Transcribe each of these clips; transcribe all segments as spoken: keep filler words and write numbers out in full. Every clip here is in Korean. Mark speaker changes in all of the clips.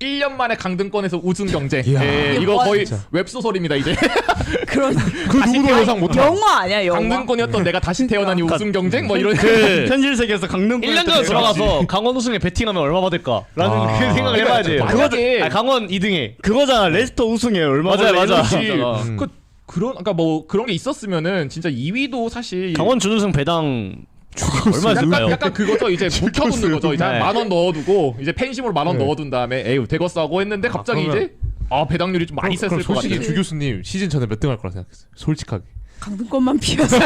Speaker 1: 일 년 만에 강등권에서 우승 경쟁.
Speaker 2: 이야.
Speaker 1: 예, 이거
Speaker 3: 와,
Speaker 1: 거의
Speaker 2: 진짜.
Speaker 1: 웹소설입니다 이제.
Speaker 3: 그런
Speaker 2: 그 누구도 예상 못한.
Speaker 3: 영화 아니야 영화.
Speaker 1: 강등권이었던 내가 다시 태어나니 우승 경쟁 뭐 이런.
Speaker 4: 그
Speaker 5: 현실 세계에서 강릉
Speaker 4: 일 년 전에 돌아가서 강원 우승에 베팅하면 얼마 받을까? 라는
Speaker 2: 아.
Speaker 4: 그 생각을 해봐야지.
Speaker 1: 만약에-
Speaker 4: 그거, 아, 강원 이 등에.
Speaker 5: 그거잖아. 레스터 우승에 얼마
Speaker 4: 맞아요, 맞아.
Speaker 1: 그렇지.
Speaker 2: 음.
Speaker 1: 그 그런 그러니까 뭐 그런 게 있었으면은 진짜 이 위도 사실
Speaker 4: 강원 준우승 배당 얼마
Speaker 1: 약간,
Speaker 4: 줄까요?
Speaker 1: 약간 그거죠. 이제 묵혀두는 거죠. 이제
Speaker 4: 네.
Speaker 1: 만 원 넣어두고 이제 펜심으로 만 원
Speaker 2: 네.
Speaker 1: 넣어둔 다음에 에휴 되겠어 하고 했는데 갑자기
Speaker 2: 그러면-
Speaker 1: 이제 아 배당률이 좀 많이
Speaker 2: 그럼,
Speaker 1: 셌을
Speaker 2: 그럼
Speaker 1: 것
Speaker 2: 솔직히
Speaker 1: 같아요.
Speaker 2: 주 교수님 시즌 전에 몇 등 할 거라 생각했어요. 솔직하게.
Speaker 3: 강등권만 피해서.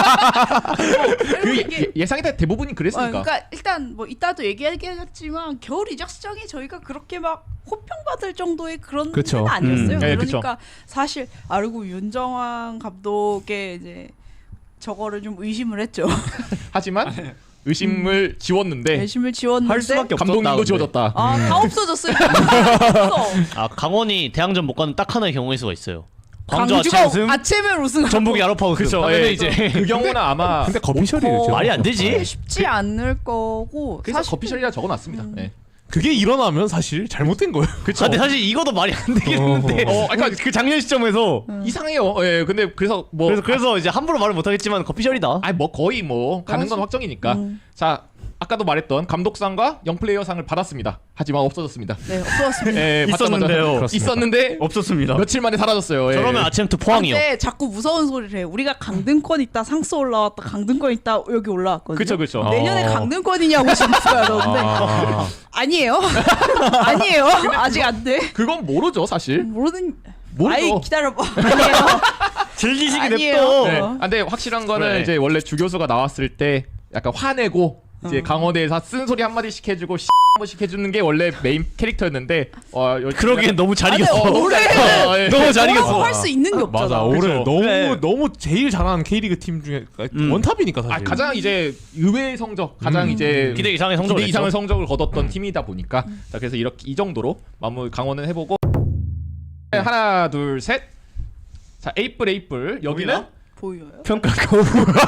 Speaker 1: 그 예, 예상이 다 대부분이
Speaker 3: 어,
Speaker 1: 그랬으니까.
Speaker 3: 그러니까 일단 뭐 이따도 얘기하겠지만 겨울 이적 시장에 저희가 그렇게 막 호평받을 정도의 그런
Speaker 2: 그쵸.
Speaker 3: 건 아니었어요.
Speaker 1: 음. 네,
Speaker 3: 그러니까 사실 아 그리고 윤정환 감독의 이제 저거를 좀 의심을 했죠.
Speaker 1: 하지만 의심을 지웠는데
Speaker 3: 의심을 지웠는데
Speaker 5: 할 수밖에 없었다.
Speaker 1: 감독님도
Speaker 5: 근데.
Speaker 1: 지워졌다.
Speaker 3: 아 다 없어졌어요. 없어.
Speaker 4: 아 강원이 대항전 못 가는 딱 하나의 경우일 수가 있어요. 광주
Speaker 3: 광주가
Speaker 4: 아침 우승,
Speaker 3: 아침에 우승.
Speaker 4: 전북이 야로파 우승.
Speaker 1: 그쵸,
Speaker 4: 하면은
Speaker 1: 예.
Speaker 4: 이제
Speaker 1: 그 경우는 아마
Speaker 2: 근데 거피셜이에요.
Speaker 3: 어,
Speaker 2: 지금.
Speaker 4: 말이 안 되지.
Speaker 3: 쉽지 않을 거고.
Speaker 1: 그래서
Speaker 3: 사실
Speaker 1: 거피셜이라 적어놨습니다.
Speaker 3: 음.
Speaker 1: 예.
Speaker 2: 그게 일어나면 사실 잘못된 거예요.
Speaker 4: 아, 근데 사실 이거도 말이 안 되겠는데.
Speaker 1: 어,
Speaker 4: 어, 그러니까 그 작년 시점에서.
Speaker 1: 이상해요. 예, 근데 그래서 뭐
Speaker 4: 그래서 그래서 이제 함부로 말을 못 하겠지만 커피셜이다.
Speaker 1: 아니 뭐 거의 뭐 가는 건 확정이니까.
Speaker 3: 음.
Speaker 1: 자 아까도 말했던 감독상과 영플레이어상을 받았습니다. 하지만 없어졌습니다.
Speaker 3: 네 없어졌습니다.
Speaker 1: 예, 받자마자
Speaker 5: 있었는데요.
Speaker 2: 그렇습니다.
Speaker 1: 있었는데
Speaker 5: 없었습니다.
Speaker 1: 며칠 만에 사라졌어요. 예.
Speaker 4: 저러면 아침부터 포항이요.
Speaker 3: 근데 자꾸 무서운 소리를 해. 우리가 강등권 있다 상스 올라왔다 강등권 있다 여기 올라왔거든요.
Speaker 1: 그쵸 그쵸.
Speaker 2: 어.
Speaker 3: 내년에 강등권이냐고 진짜 그러는데
Speaker 2: 아,
Speaker 3: 아니에요. 아니에요. 아직 안 돼.
Speaker 1: 그건 모르죠 사실.
Speaker 3: 모르는.
Speaker 1: 모르죠.
Speaker 3: 아이 기다려봐. 아니에요.
Speaker 5: 즐기시기
Speaker 3: 아니에요.
Speaker 5: 냅둬.
Speaker 1: 네. 아, 근데 확실한 거는
Speaker 4: 그래.
Speaker 1: 이제 원래 주 교수가 나왔을 때 약간 화내고 이제
Speaker 3: 어.
Speaker 1: 강원대에서 쓴 소리 한 마디씩 해주고 씨 한 번씩 해주는 게 원래 메인 캐릭터였는데 어, 여-
Speaker 4: 그러기엔 너무 잘
Speaker 3: 아, 근데
Speaker 4: 이겼어.
Speaker 3: 올해는
Speaker 1: 어, 예.
Speaker 4: 너무 잘
Speaker 3: 뭐라고
Speaker 4: 이겼어.
Speaker 3: 할 수 있는 게
Speaker 2: 아,
Speaker 3: 없잖아.
Speaker 2: 맞아. 올해
Speaker 1: 그쵸.
Speaker 2: 너무
Speaker 4: 네.
Speaker 2: 너무 제일 잘하는 K리그 팀 중에
Speaker 5: 음.
Speaker 2: 원탑이니까 사실.
Speaker 1: 아, 가장 이제 의외의 성적, 가장
Speaker 2: 음.
Speaker 1: 이제
Speaker 4: 기대 이상의 성적을
Speaker 1: 기대 이상의
Speaker 4: 냈죠.
Speaker 1: 성적을 거뒀던 팀이다 보니까 자 그래서 이렇게 이 정도로 마무리 강원은 해보고 네, 하나 둘 셋. 자 에이플 에이플 여기는
Speaker 3: 보여요?
Speaker 4: 평가 거부.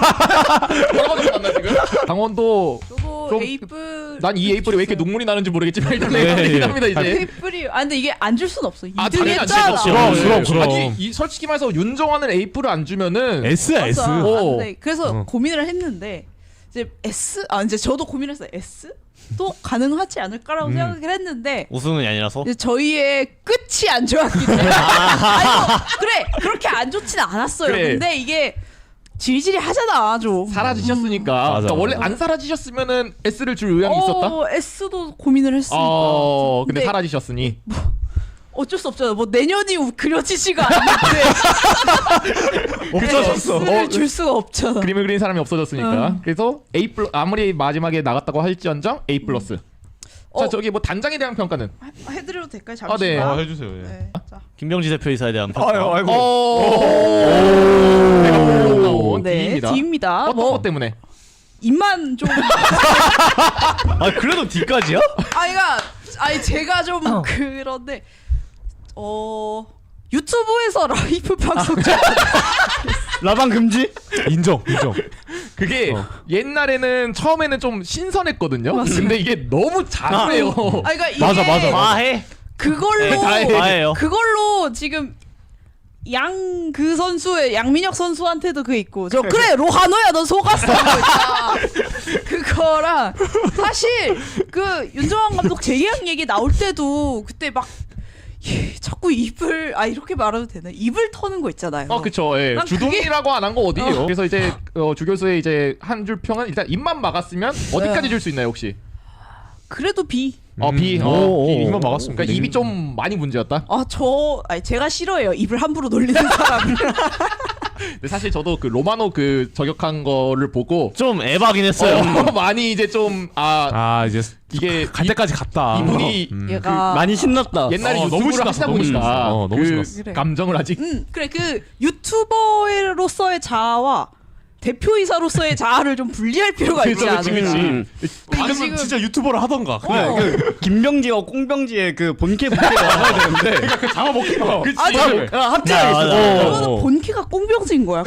Speaker 1: 뭐라고 적었나 지금? 강원도
Speaker 3: 저거
Speaker 1: 좀-
Speaker 3: 에이플.
Speaker 1: 난 이 에이플이 왜 이렇게 눈물이 나는지 모르겠지만 일단
Speaker 2: 네,
Speaker 1: 에이플이긴
Speaker 2: 예.
Speaker 1: 합니다 이제.
Speaker 3: 에이플이. 아 근데 이게 안 줄 순 없어.
Speaker 1: 아,
Speaker 3: 이등이
Speaker 1: 당연히 안
Speaker 3: 했잖아.
Speaker 1: 주죠.
Speaker 2: 그럼,
Speaker 1: 네.
Speaker 2: 그럼, 그럼.
Speaker 1: 아니, 이, 솔직히 말해서 윤정환은 에이플을 안 주면은
Speaker 2: S야 S.
Speaker 3: 맞아.
Speaker 1: 오.
Speaker 3: 안 돼. 그래서
Speaker 2: 어.
Speaker 3: 고민을 했는데 이제 S 아 이제 저도 고민했어요. S 또 가능하지 않을까라고
Speaker 2: 음.
Speaker 3: 생각을 했는데
Speaker 4: 우승은 아니라서.
Speaker 3: 이제 저희의 끝이 안 좋았기 때문에 아니 뭐, 그래 그렇게 안 좋지는 않았어요.
Speaker 1: 그래.
Speaker 3: 근데 이게 질질이 하잖아 좀.
Speaker 1: 사라지셨으니까.
Speaker 2: 맞아,
Speaker 1: 그러니까 원래
Speaker 2: 맞아.
Speaker 1: 안 사라지셨으면은 S를 줄 의향이 있었다.
Speaker 3: 어, S도 고민을 했으니까.
Speaker 1: 어, 근데
Speaker 3: 근데
Speaker 1: 사라지셨으니.
Speaker 3: 어쩔 수 없잖아. 뭐 내년이 그려지지가 않는데
Speaker 1: 없어졌어.
Speaker 3: S를
Speaker 1: 어,
Speaker 3: 줄 수가 없잖아.
Speaker 1: 그림을 그린 사람이 없어졌으니까.
Speaker 3: 응.
Speaker 1: 그래서 A 플러 아무리 마지막에 나갔다고 할지언정 A 플러스. 자
Speaker 3: 어.
Speaker 1: 저기 뭐 단장에 대한 평가는.
Speaker 3: 해- 해드려도 될까요?
Speaker 1: 아, 네.
Speaker 3: 잠시만.
Speaker 2: 어, 해주세요. 예.
Speaker 3: 네. 자.
Speaker 4: 김병지 대표이사에 대한 평가.
Speaker 5: 아유, 아이고.
Speaker 1: 오. 내가 보고 나온
Speaker 3: 네,
Speaker 1: D입니다.
Speaker 3: D입니다.
Speaker 1: 어떤
Speaker 3: 뭐
Speaker 1: 것 때문에?
Speaker 3: 입만 좀.
Speaker 4: 아 그래도 D까지야?
Speaker 3: 아이가 아니 제가 좀 그런데 어 유튜브에서 라이브 방송 좀
Speaker 5: 라방 금지?
Speaker 2: 인정, 인정.
Speaker 1: 그게
Speaker 2: 어.
Speaker 1: 옛날에는 처음에는 좀 신선했거든요. 근데 이게 너무 자주해요.
Speaker 3: 아 그러니까 이게
Speaker 2: 맞아, 맞아, 맞아.
Speaker 4: 과해.
Speaker 3: 그걸로
Speaker 1: 다 해.
Speaker 4: 과해요.
Speaker 3: 그걸로 지금 양 그 선수의 양민혁 선수한테도 그 있고 저 그래 로하노야 넌 속았어 그거랑 사실 그 윤정환 감독 재계약 얘기 나올 때도 그때 막 예, 자꾸 입을 아 이렇게 말해도 되나 입을 터는 거 있잖아요.
Speaker 1: 어 그쵸. 예.
Speaker 3: 난
Speaker 1: 주둥이라고 안 한 거 어디예요?
Speaker 3: 어.
Speaker 1: 그래서 이제 어, 주 교수의 이제 한 줄 평은 일단 입만 막았으면 어디까지
Speaker 3: 네.
Speaker 1: 줄 수 있나요 혹시?
Speaker 3: 그래도 B.
Speaker 1: 어 B.
Speaker 2: 음,
Speaker 1: 어,
Speaker 2: 오,
Speaker 1: B.
Speaker 2: 오, 입만 막았으면
Speaker 1: 그러니까
Speaker 2: 되네.
Speaker 1: 입이 좀 많이 문제였다.
Speaker 3: 아 저 아니 제가 싫어해요. 입을 함부로 놀리는 사람.
Speaker 1: 근데 사실 저도 그 로마노 그 저격한 거를 보고
Speaker 4: 좀 에바긴 했어요.
Speaker 1: 어, 많이 이제 좀 아
Speaker 2: 아 이제
Speaker 1: 이게
Speaker 2: 갈 때까지 갔다.
Speaker 1: 이분이
Speaker 2: 음.
Speaker 3: 얘가
Speaker 5: 많이 신났다.
Speaker 1: 옛날에
Speaker 2: 어, 너무
Speaker 1: 유튜브를
Speaker 2: 신났어,
Speaker 1: 하시다
Speaker 2: 너무
Speaker 1: 보니까
Speaker 2: 신났어. 어, 너무
Speaker 1: 그
Speaker 2: 신났어.
Speaker 3: 그래.
Speaker 1: 감정을 아직
Speaker 3: 음 그래 그 유튜버로서의 자아와 대표이사로서의 자아를 좀 분리할 필요가 있지
Speaker 1: 그치,
Speaker 3: 않을까.
Speaker 1: 그치, 그치.
Speaker 5: 음.
Speaker 2: 아니면
Speaker 3: 지금-
Speaker 2: 진짜 유튜버를 하던가.
Speaker 5: 그래, 그 김병지와 꽁병지의 그 본캐 본캐가 나와야 되는데
Speaker 2: 그 잡아먹기가.
Speaker 1: 그치.
Speaker 3: 아,
Speaker 5: 다
Speaker 3: 저-
Speaker 5: 아, 합쳐야겠어.
Speaker 4: 맞아.
Speaker 5: 어.
Speaker 3: 그거는
Speaker 2: 어.
Speaker 3: 본캐가 꽁병지인 거야.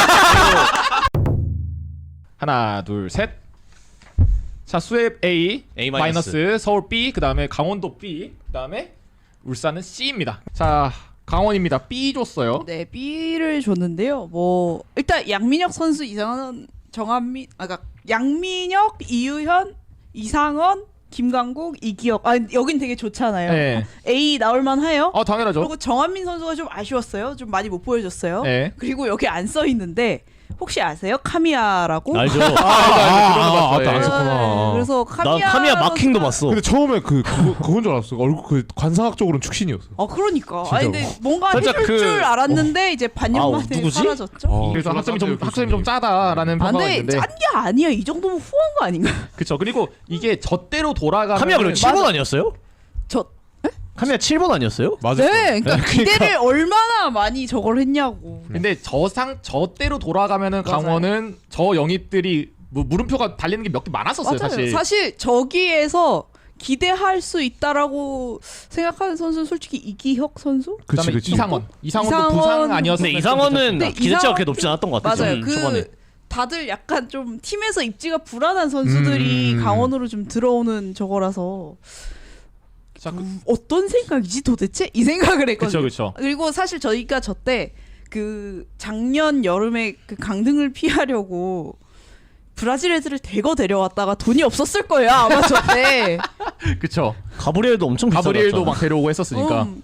Speaker 1: 하나 둘 셋. 자 수협 A,
Speaker 4: A
Speaker 1: 마이너스, 서울 B, 그 다음에 강원도 B, 그 다음에 울산은 C입니다. 자 강원입니다. B 줬어요.
Speaker 3: 네, B를 줬는데요. 뭐 일단 양민혁 선수, 이상원, 정한민, 아 그러니까 양민혁, 이유현, 이상원, 김강국, 이기혁. 아 여긴 되게 좋잖아요.
Speaker 1: 네.
Speaker 3: A 나올만 해요.
Speaker 1: 어 당연하죠.
Speaker 3: 그리고 정한민 선수가 좀 아쉬웠어요. 좀 많이 못 보여줬어요.
Speaker 1: 네.
Speaker 3: 그리고 여기 안 써 있는데 혹시 아세요? 카미야라고?
Speaker 4: 알죠.
Speaker 2: 아, 아, 아,
Speaker 1: 예.
Speaker 2: 아, 안 썼구나.
Speaker 3: 네, 그래서
Speaker 4: 나
Speaker 3: 카미야
Speaker 4: 카미야 마킹도
Speaker 3: 선수가-
Speaker 4: 봤어.
Speaker 2: 근데 처음에 그 그거, 그건 줄 알았어. 얼굴 그 관상학적으로는 축신이었어.
Speaker 3: 아 그러니까.
Speaker 2: 진짜로.
Speaker 3: 아니 근데 뭔가
Speaker 1: 살짝
Speaker 3: 해줄
Speaker 1: 그-
Speaker 3: 줄 알았는데 이제 반년
Speaker 4: 아,
Speaker 3: 만에
Speaker 4: 누구지?
Speaker 3: 사라졌죠.
Speaker 2: 어,
Speaker 1: 그래서
Speaker 2: 졸라
Speaker 1: 학점이 좀
Speaker 2: 짠데요,
Speaker 1: 학점이 좀
Speaker 2: 교수님.
Speaker 1: 짜다라는
Speaker 3: 아,
Speaker 1: 평가가
Speaker 3: 근데
Speaker 1: 있는데.
Speaker 3: 짠 게 아니야. 이 정도면 후한 거 아닌가?
Speaker 1: 그렇죠. 그리고 이게 저대로 돌아가면
Speaker 4: 카미야 그럼 칠 번 아니었어요?
Speaker 3: 저
Speaker 4: 카미야 칠 번 아니었어요?
Speaker 2: 맞아.
Speaker 3: 네, 그러니까 기대를 얼마나 많이 저걸 했냐고.
Speaker 1: 근데 저상 저대로 돌아가면은
Speaker 3: 맞아요.
Speaker 1: 강원은 저 영입들이 뭐 물음표가 달리는 게 몇 개 많았었어요.
Speaker 3: 맞아요.
Speaker 1: 사실.
Speaker 3: 사실 저기에서 기대할 수 있다라고 생각하는 선수는 솔직히 이기혁 선수?
Speaker 2: 그치
Speaker 1: 그다음에
Speaker 2: 그치.
Speaker 1: 이상원. 이상원도
Speaker 3: 이상원-
Speaker 1: 부상 아니었으면
Speaker 4: 근데 이상원은
Speaker 3: 근데
Speaker 4: 기대치가
Speaker 3: 이상원-
Speaker 4: 그렇게 높진 않았던 것 같아요.
Speaker 3: 맞아요.
Speaker 4: 음,
Speaker 3: 그
Speaker 4: 초반에.
Speaker 3: 다들 약간 좀 팀에서 입지가 불안한 선수들이
Speaker 2: 음.
Speaker 3: 강원으로 좀 들어오는 저거라서
Speaker 1: 자, 그,
Speaker 3: 음, 어떤 생각이지 도대체? 이 생각을 했거든요.
Speaker 1: 그렇죠, 그렇죠.
Speaker 3: 그리고 사실 저희가 저 때 그 작년 여름에 그 강등을 피하려고 브라질 애들을 대거 데려왔다가 돈이 없었을 거예요 아마 저 때.
Speaker 1: 그렇죠.
Speaker 4: 가브리엘도 엄청 비싸졌잖아.
Speaker 1: 가브리엘도 막 데려오고 했었으니까.
Speaker 3: 음,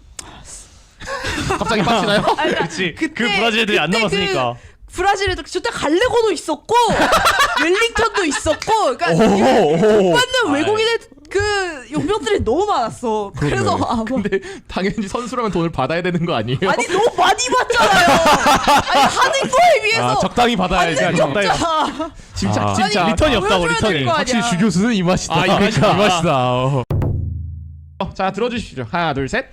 Speaker 1: 갑자기 빡치나요?
Speaker 3: 아, 그러니까
Speaker 4: 그치.
Speaker 3: 그때-
Speaker 4: 그 브라질 애들이 안
Speaker 3: 그때
Speaker 4: 남았으니까.
Speaker 3: 그 브라질 애들 저때 갈레고도 있었고 웰링턴도 있었고, 그러니까
Speaker 2: 오, 오.
Speaker 3: 받는 외국인의 그 용병들이 너무 많았어. 그래서 아마
Speaker 1: 근데 당연히 선수라면 돈을 받아야 되는 거 아니에요?
Speaker 3: 아니 너무 많이 받잖아요. 아니 하는 거에 비해서
Speaker 2: 아, 적당히 받아야지.
Speaker 3: 받는 게
Speaker 2: 적당히.
Speaker 3: 없잖아.
Speaker 1: 진짜
Speaker 2: 아.
Speaker 1: 진짜
Speaker 3: 아니,
Speaker 4: 리턴이 없다고,
Speaker 3: 보여줘야
Speaker 4: 리턴이.
Speaker 3: 될거 아니야.
Speaker 2: 확실히 주 교수는 이 맛이다.
Speaker 1: 아, 이 맛이다.
Speaker 2: 이 맛이다. 어.
Speaker 1: 어, 자 들어주시죠. 하나 둘 셋.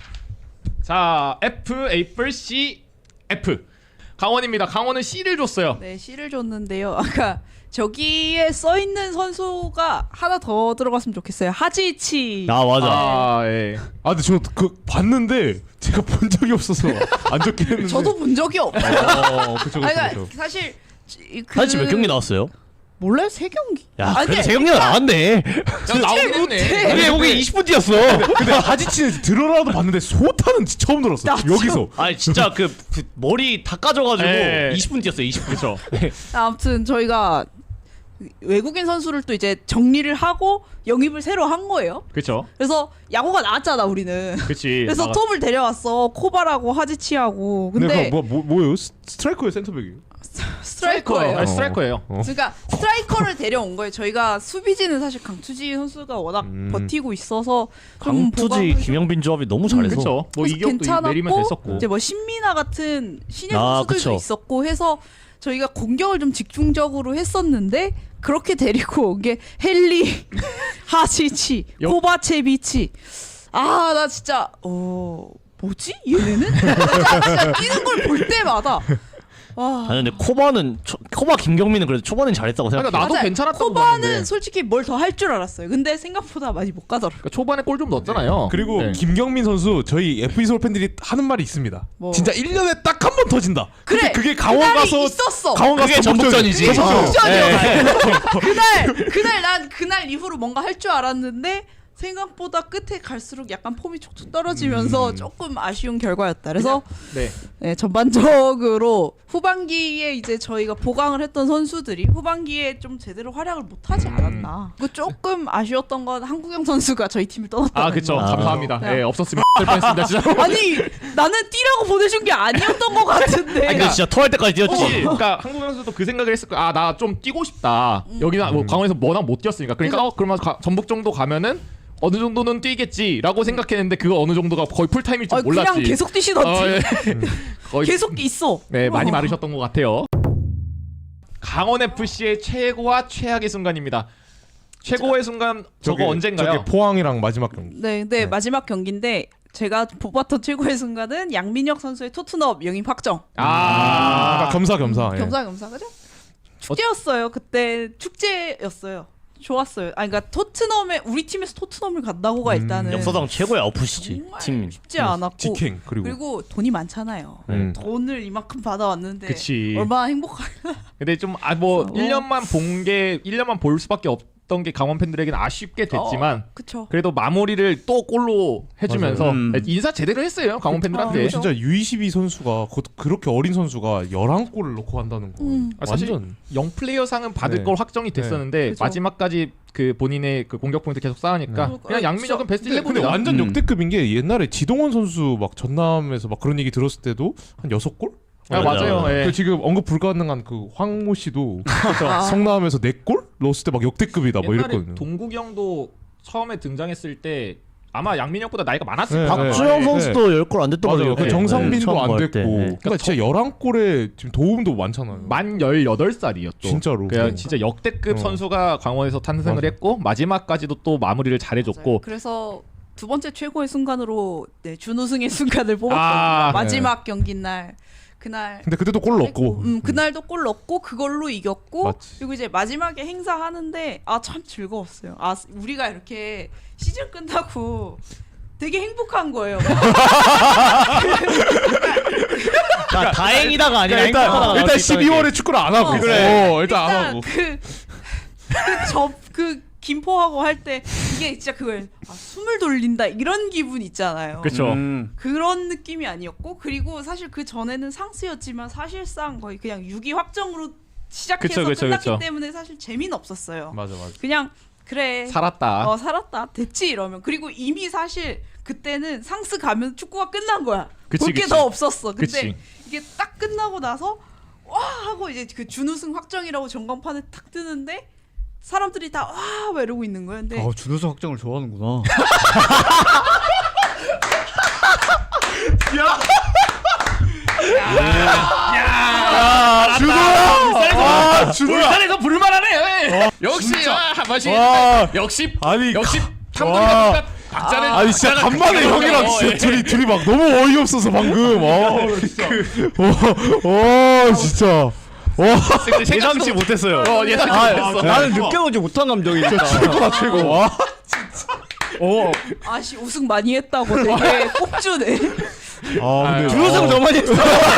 Speaker 1: 자 F, A, C, F. 강원입니다. 강원은 C를 줬어요.
Speaker 3: 네, C를 줬는데요. 아까 저기에 써 있는 선수가 하나 더 들어갔으면 좋겠어요. 하지치.
Speaker 4: 아 맞아.
Speaker 1: 아 예.
Speaker 2: 아 근데 저 그 봤는데 제가 본 적이 없어서 안 적긴 했는데.
Speaker 3: 저도 본 적이 없어요.
Speaker 2: 어, 그쵸 그쵸
Speaker 3: 아니, 그러니까
Speaker 2: 그쵸.
Speaker 3: 사실 이- 그
Speaker 4: 하지치 몇 경기 나왔어요?
Speaker 3: 몰라요? 세 경기.
Speaker 4: 야
Speaker 3: 아니,
Speaker 4: 그래도 세 경기가 나왔네.
Speaker 1: 야, 나오긴 했네.
Speaker 4: 근데 여기 이십 분 뛰었어.
Speaker 2: 근데 하지치는 들어라도 봤는데 소타는 처음 들었어.
Speaker 3: 나죠.
Speaker 2: 여기서.
Speaker 4: 아니 진짜 그, 그 머리 다 까져가지고
Speaker 1: 예.
Speaker 4: 이십 분 뛰었어요. 이십 분.
Speaker 1: 그렇죠.
Speaker 3: 아무튼 저희가 외국인 선수를 또 이제 정리를 하고 영입을 새로 한 거예요.
Speaker 1: 그렇죠.
Speaker 3: 그래서 야구가 나왔잖아 우리는.
Speaker 1: 그렇지.
Speaker 3: 그래서 톱을 데려왔어. 코바라고 하지치하고.
Speaker 2: 근데
Speaker 3: 근데
Speaker 2: 그거 뭐, 뭐 뭐예요? 스- 스트라이커예요, 센터백이에요?
Speaker 3: 스트라이커예요.
Speaker 1: 아, 스트라이커예요.
Speaker 2: 어.
Speaker 3: 그러니까 스트라이커를 데려온 거예요. 저희가 수비진은 사실 강투지 선수가 워낙
Speaker 2: 음.
Speaker 3: 버티고 있어서 좀
Speaker 4: 강투지
Speaker 3: 보강을
Speaker 4: 김영빈 조합이 너무 잘해서.
Speaker 1: 그렇죠. 뭐
Speaker 3: 그래서
Speaker 1: 이격도 내리면 됐었고.
Speaker 3: 이제 뭐 신민아 같은 신예
Speaker 4: 아,
Speaker 3: 선수들도
Speaker 4: 그쵸.
Speaker 3: 있었고 해서 저희가 공격을 좀 집중적으로 했었는데 그렇게 데리고 온 게 헨리, 하시치,
Speaker 1: 여-
Speaker 3: 코바체비치. 아 나 진짜 어 뭐지 얘네는? 나 진짜 뛰는 걸 볼 때마다 와.
Speaker 4: 아니 근데 코바는 초, 코바 김경민은 그래도 초반엔 잘했다고 생각해.
Speaker 1: 그러니까 나도
Speaker 3: 맞아요.
Speaker 1: 괜찮았다고
Speaker 3: 코바는
Speaker 1: 봤는데.
Speaker 3: 솔직히 뭘 더 할 줄 알았어요. 근데 생각보다 많이 못 가더라고.
Speaker 1: 그러니까 초반에 골 좀 넣었잖아요.
Speaker 2: 그리고
Speaker 1: 네.
Speaker 2: 김경민 선수 저희 에프이 서울 팬들이 하는 말이 있습니다.
Speaker 3: 뭐.
Speaker 2: 진짜 일 년에 딱 한 번 터진다.
Speaker 3: 그래.
Speaker 2: 근데 그게 강원
Speaker 3: 그날이
Speaker 2: 가서
Speaker 3: 있었어.
Speaker 2: 강원 가서
Speaker 4: 그게 전북전이지.
Speaker 2: 전북전.
Speaker 3: 그게
Speaker 2: 전북전.
Speaker 3: 전북전이었어. 그날 그날 난 그날 이후로 뭔가 할 줄 알았는데 생각보다 끝에 갈수록 약간 폼이 촉촉 떨어지면서
Speaker 2: 음.
Speaker 3: 조금 아쉬운 결과였다. 그래서
Speaker 1: 네.
Speaker 3: 네, 전반적으로 후반기에 이제 저희가 보강을 했던 선수들이 후반기에 좀 제대로 활약을 못하지 않았나. 그 조금 아쉬웠던 건 한국영 선수가 저희 팀을 떠났다.
Speaker 1: 아 그렇죠.
Speaker 4: 아.
Speaker 1: 감사합니다.
Speaker 3: 네.
Speaker 1: 예, 없었으면 될 뻔했습니다. 진짜.
Speaker 3: 아니 나는 뛰라고 보내준 게 아니었던 것 같은데.
Speaker 4: 아니 근데 진짜 토할 때까지 뛰었지.
Speaker 1: 혹시 그러니까 한국 선수도 그 생각을 했을 거야. 아 나 좀 뛰고 싶다. 여기나 뭐 강원에서 워낙 못 뛰었으니까. 그러니까 어, 그러면 가, 전북 정도 가면은 어느 정도는 뛰겠지라고 생각했는데 그거 어느 정도가 거의 풀타임일 줄
Speaker 3: 어,
Speaker 1: 몰랐지.
Speaker 3: 그냥 계속 뛰시던지.
Speaker 1: 어, 예. 거의
Speaker 3: 계속 있어.
Speaker 1: 네 많이
Speaker 3: 어.
Speaker 1: 마르셨던 것 같아요. 강원 에프씨의 최고와 최악의 순간입니다. 최고의 순간 저거
Speaker 2: 저게-
Speaker 1: 언젠가요?
Speaker 2: 저게 포항이랑 마지막 경기.
Speaker 3: 네, 네, 마지막 경기인데 제가 뽑았던 최고의 순간은 양민혁 선수의 토트넘 영입 확정.
Speaker 1: 아,
Speaker 2: 그러니까 겸사겸사. 예.
Speaker 3: 겸사겸사 그죠? 축제였어요. 그때 축제였어요. 좋았어요. 아, 그러니까 토트넘에 우리 팀에서 토트넘을 간다고가
Speaker 2: 음,
Speaker 3: 일단은
Speaker 4: 역사상 최고의 아웃풋이지
Speaker 3: 정말
Speaker 4: 팀.
Speaker 3: 쉽지 않았고
Speaker 2: 직행 그리고.
Speaker 3: 그리고 돈이 많잖아요.
Speaker 2: 음.
Speaker 3: 돈을 이만큼 받아왔는데
Speaker 1: 그치.
Speaker 3: 얼마나 행복할까.
Speaker 1: 근데 좀 아 뭐
Speaker 3: 어.
Speaker 1: 일 년만 본 게 일 년만 볼 수밖에 없 됐던 게 강원 팬들에게는 아쉽게 됐지만
Speaker 3: 어, 그쵸.
Speaker 1: 그래도 마무리를 또 골로 해주면서
Speaker 5: 음.
Speaker 1: 인사 제대로 했어요 강원 팬들한테.
Speaker 3: 그쵸.
Speaker 2: 진짜 유이십이 선수가 그, 그렇게 어린 선수가 열한 골을 넣고 한다는 거.
Speaker 3: 음.
Speaker 1: 아, 사실
Speaker 2: 완전
Speaker 1: 영 플레이어상은 받을
Speaker 2: 네.
Speaker 1: 걸 확정이 됐었는데
Speaker 3: 그죠.
Speaker 1: 마지막까지 그 본인의 그 공격 포인트 계속 쌓으니까
Speaker 3: 네.
Speaker 1: 그냥 양민혁은 베스트
Speaker 2: 근데, 근데
Speaker 1: 일레븐이다.
Speaker 2: 완전
Speaker 5: 음.
Speaker 2: 역대급인 게 옛날에 지동원 선수 막 전남에서 막 그런 얘기 들었을 때도 한 여섯 골?
Speaker 1: 아, 맞아요.
Speaker 4: 맞아.
Speaker 1: 예.
Speaker 2: 그 지금 언급 불가능한 그 황모 씨도
Speaker 3: 아.
Speaker 2: 성남에서 네 골 넣었을 때 막 역대급이다 뭐
Speaker 1: 옛날에
Speaker 2: 이랬거든요.
Speaker 1: 동국이 형도 처음에 등장했을 때 아마 양민혁보다 나이가 많았을
Speaker 2: 네,
Speaker 1: 거예요.
Speaker 2: 네.
Speaker 4: 박주영
Speaker 2: 네.
Speaker 4: 선수도 열 골 안 됐던
Speaker 2: 맞아요.
Speaker 4: 거죠.
Speaker 2: 그
Speaker 1: 네.
Speaker 2: 정상빈도
Speaker 4: 처음
Speaker 2: 안
Speaker 4: 갈
Speaker 2: 됐고.
Speaker 4: 때. 네.
Speaker 2: 그러니까 진짜 열한 골에 지금 도움도 많잖아요.
Speaker 1: 만 열여덟 살이었죠.
Speaker 2: 진짜로.
Speaker 1: 그냥
Speaker 2: 네.
Speaker 1: 진짜 역대급
Speaker 2: 어.
Speaker 1: 선수가 강원에서 탄생을
Speaker 2: 맞아.
Speaker 1: 했고 마지막까지도 또 마무리를 잘해줬고
Speaker 3: 맞아요. 그래서 두 번째 최고의 순간으로 네, 준우승의 순간을 뽑았거든요.
Speaker 1: 아,
Speaker 3: 마지막 경기 날 그날
Speaker 2: 근데 그때도 골 넣고.
Speaker 3: 음, 그날도 골 넣고 그걸로 이겼고
Speaker 2: 맞지.
Speaker 3: 그리고 이제 마지막에 행사하는데 아 참 즐거웠어요. 아 우리가 이렇게 시즌 끝나고 되게 행복한 거예요.
Speaker 4: 아, 다행이다가 아니라
Speaker 2: 그러니까 일단
Speaker 4: 행복하다가
Speaker 2: 일단 십이월에 축구를 안 하고
Speaker 3: 어,
Speaker 2: 있어.
Speaker 3: 그래.
Speaker 2: 어, 일단 안 하고.
Speaker 3: 그그접그 김포하고 할 때 이게 진짜 그걸 아, 숨을 돌린다 이런 기분 있잖아요.
Speaker 1: 그렇죠.
Speaker 5: 음.
Speaker 3: 그런 느낌이 아니었고 그리고 사실 그 전에는 상스였지만 사실상 거의 그냥 육 위 확정으로 시작해서
Speaker 1: 그쵸, 그쵸,
Speaker 3: 끝났기
Speaker 1: 그쵸.
Speaker 3: 때문에 사실 재미는 없었어요.
Speaker 2: 맞아 맞아.
Speaker 3: 그냥 그래
Speaker 1: 살았다.
Speaker 3: 어 살았다 됐지 이러면 그리고 이미 사실 그때는 상스 가면 축구가 끝난 거야.
Speaker 1: 그치,
Speaker 3: 볼 게
Speaker 1: 그치.
Speaker 3: 더 없었어. 근데
Speaker 1: 그치.
Speaker 3: 이게 딱 끝나고 나서 와 하고 이제 그 준우승 확정이라고 전광판에 탁 뜨는데 사람들이 다 와 이러고 있는 거야. 근데
Speaker 5: 아 준우승 확정을 좋아하는구나.
Speaker 1: 야, 준호야! 아, 준호야! 울산에서 불만하네. 역시 아, 맛이
Speaker 2: 와.
Speaker 1: 역시
Speaker 2: 아니
Speaker 1: 역시
Speaker 2: 와.
Speaker 1: 탐구가 박자를
Speaker 2: 아니 진짜
Speaker 1: 박자가
Speaker 2: 간만에
Speaker 1: 그렇게
Speaker 2: 형이랑
Speaker 1: 하네요.
Speaker 2: 진짜
Speaker 1: 예.
Speaker 2: 둘이 둘이 막 너무 어이없어서 방금. 어, 어, 어 진짜. 와,
Speaker 4: 예상치 못했어요.
Speaker 1: 어, 예상치
Speaker 5: 아,
Speaker 1: 못했어.
Speaker 5: 나는 느껴보지 못한 감정이니까.
Speaker 2: 최고다 최고. 와,
Speaker 5: 어.
Speaker 3: 아씨 우승 많이 했다고 되게 꼽주네.
Speaker 2: 아 근데
Speaker 5: 준우승 더 많이 했어.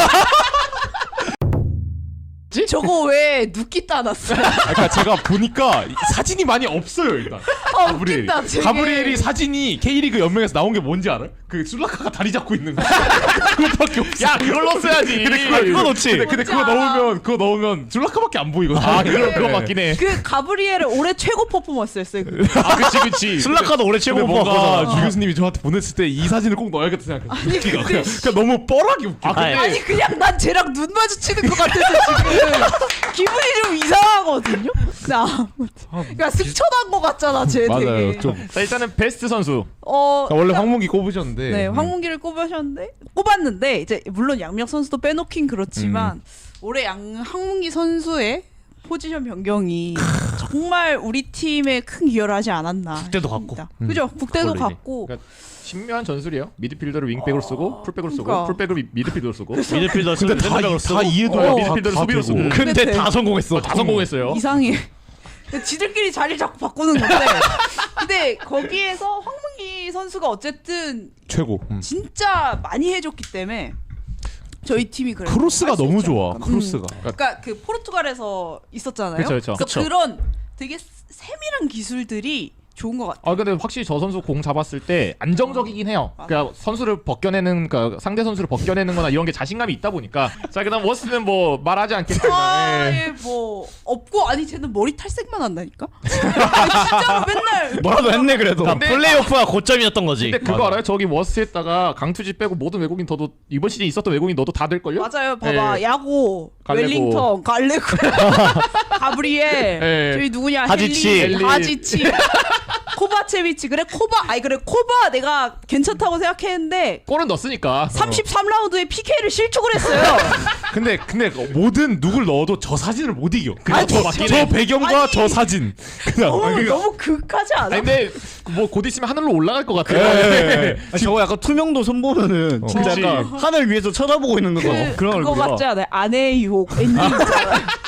Speaker 3: 저거 왜 눕기 따놨어?
Speaker 2: 그러니까 제가 보니까 이 사진이 많이 없어요 일단.
Speaker 3: 아
Speaker 2: 가브리엘이.
Speaker 3: 웃긴다 되게.
Speaker 2: 가브리엘이 사진이 K리그 연맹에서 나온 게 뭔지 알아요? 그 술라카가 다리 잡고 있는 거. 그거밖에 없어.
Speaker 1: 야, 그걸 넣었어야지.
Speaker 2: 근데 그거 그거 넣지. 근데, 근데
Speaker 3: 뭔지
Speaker 2: 그거
Speaker 3: 알아.
Speaker 2: 넣으면 그거 넣으면 줄라카밖에 안 보이거든.
Speaker 1: 아, 그거 그거 맞긴 해.
Speaker 3: 그 가브리엘의 올해 최고 퍼포먼스였어요. 그거.
Speaker 1: 아, 그치 그치.
Speaker 4: 슬라카도 올해
Speaker 2: 근데
Speaker 4: 최고
Speaker 2: 뭔가
Speaker 4: 뽑았거든.
Speaker 2: 유 교수님이 저한테 보냈을 때 이 사진을 꼭 넣어야겠다 생각했어.
Speaker 3: 아니,
Speaker 2: 웃기가
Speaker 3: 근데
Speaker 2: 그냥, 그냥 너무 뻘하게 웃겨.
Speaker 1: 아, 근데
Speaker 3: 아니 그냥 난 쟤랑 눈 마주치는 것 같아서 지금 기분이 좀 이상하거든요. 나 그러니까 승천한 것 같잖아 쟤
Speaker 2: 맞아요.
Speaker 3: 되게.
Speaker 2: 좀
Speaker 1: 자, 일단은 베스트 선수.
Speaker 3: 어
Speaker 2: 원래 황문기 꼽으셨는데.
Speaker 3: 네,
Speaker 2: 음.
Speaker 3: 황문기를 꼽으셨는데 꼽았는데 이제 물론 양명 선수도 빼놓긴 그렇지만 올해 양 황문기 선수의 포지션 변경이 정말 우리 팀에 큰 기여를 하지 않았나.
Speaker 4: 국대도 갔고.
Speaker 3: 싶습니다. 그죠? 국대도
Speaker 1: 원래 이제.
Speaker 3: 갔고.
Speaker 1: 그러니까 신묘한 전술이에요. 미드필더를 윙백으로 쓰고 풀백으로 쓰고
Speaker 3: 그러니까.
Speaker 1: 풀백을 미- 미드필더로 쓰고.
Speaker 4: 미드필더
Speaker 2: 근데 다,
Speaker 4: 센터백으로
Speaker 2: 다
Speaker 4: 쓰고.
Speaker 2: 이해도
Speaker 3: 어,
Speaker 1: 미드필더를
Speaker 2: 다
Speaker 1: 수비로
Speaker 2: 되고.
Speaker 1: 쓰고.
Speaker 4: 근데
Speaker 3: 근데
Speaker 4: 다 성공했어.
Speaker 1: 다 성공했어요.
Speaker 3: 이상해. 지들끼리 자리 자꾸 바꾸는 건데. 근데 거기에서 황문기 선수가 어쨌든
Speaker 2: 최고. 음.
Speaker 3: 진짜 많이 해줬기 때문에 저희 팀이 그래도
Speaker 2: 크로스가
Speaker 3: 할수
Speaker 2: 너무
Speaker 3: 있지
Speaker 2: 좋아.
Speaker 3: 않을까.
Speaker 2: 크로스가.
Speaker 3: 음. 그러니까 그 포르투갈에서 있었잖아요.
Speaker 1: 그쵸, 그쵸.
Speaker 3: 그래서
Speaker 1: 그쵸.
Speaker 3: 그런 되게 세밀한 기술들이 좋은 것 같아요.
Speaker 1: 아 근데 확실히 저 선수 공 잡았을 때 안정적이긴 해요. 그러니까 선수를 벗겨내는 그러니까 상대 선수를 벗겨내는거나 이런 게 자신감이 있다 보니까 자 그다음 워스는 뭐 말하지 않겠지만
Speaker 3: 아,
Speaker 1: 예.
Speaker 3: 예, 뭐 없고 아니 쟤는 머리 탈색만 한다니까. 진짜로 맨날
Speaker 5: 뭐라도 했네 그래도.
Speaker 4: 그러니까 플레이오프가 고점이었던 거지.
Speaker 1: 근데 그거 알아요? 저기 워스에다가 강투지 빼고 모든 외국인 너도 이번 시즌 있었던 외국인 너도 다 될걸요?
Speaker 3: 맞아요. 봐봐
Speaker 1: 예.
Speaker 3: 야고,
Speaker 1: 갈레고.
Speaker 3: 웰링턴, 갈레고, 가브리엘,
Speaker 1: 예.
Speaker 3: 저기 누구냐
Speaker 4: 하지치.
Speaker 3: 헬리,
Speaker 1: 헬리.
Speaker 3: 하지치, 코바체비치. 그래 코바, 아니 그래 코바 내가 괜찮다고 생각했는데
Speaker 1: 골은 넣었으니까.
Speaker 3: 삼십삼 라운드에 피케이를 실축을 했어요.
Speaker 2: 근데 근데 모든 누굴 넣어도 저 사진을 못 이겨. 그냥
Speaker 3: 아니,
Speaker 2: 저,
Speaker 3: 맞긴
Speaker 2: 저
Speaker 3: 해.
Speaker 2: 배경과
Speaker 3: 아니.
Speaker 2: 저 사진. 그냥.
Speaker 3: 너무 너무 극하지 않아?
Speaker 1: 아니 근데 뭐 곧 있으면 하늘로 올라갈 것 같아요.
Speaker 2: 예.
Speaker 5: 아, 저거 약간 투명도 손 보면은 진짜
Speaker 1: 그치.
Speaker 5: 약간 하늘 위에서 쳐다보고 있는 거
Speaker 3: 그,
Speaker 5: 그런
Speaker 3: 그거
Speaker 5: 얼굴이야.
Speaker 3: 맞지 않아요? 아내의 유혹 엔딩 있잖아요.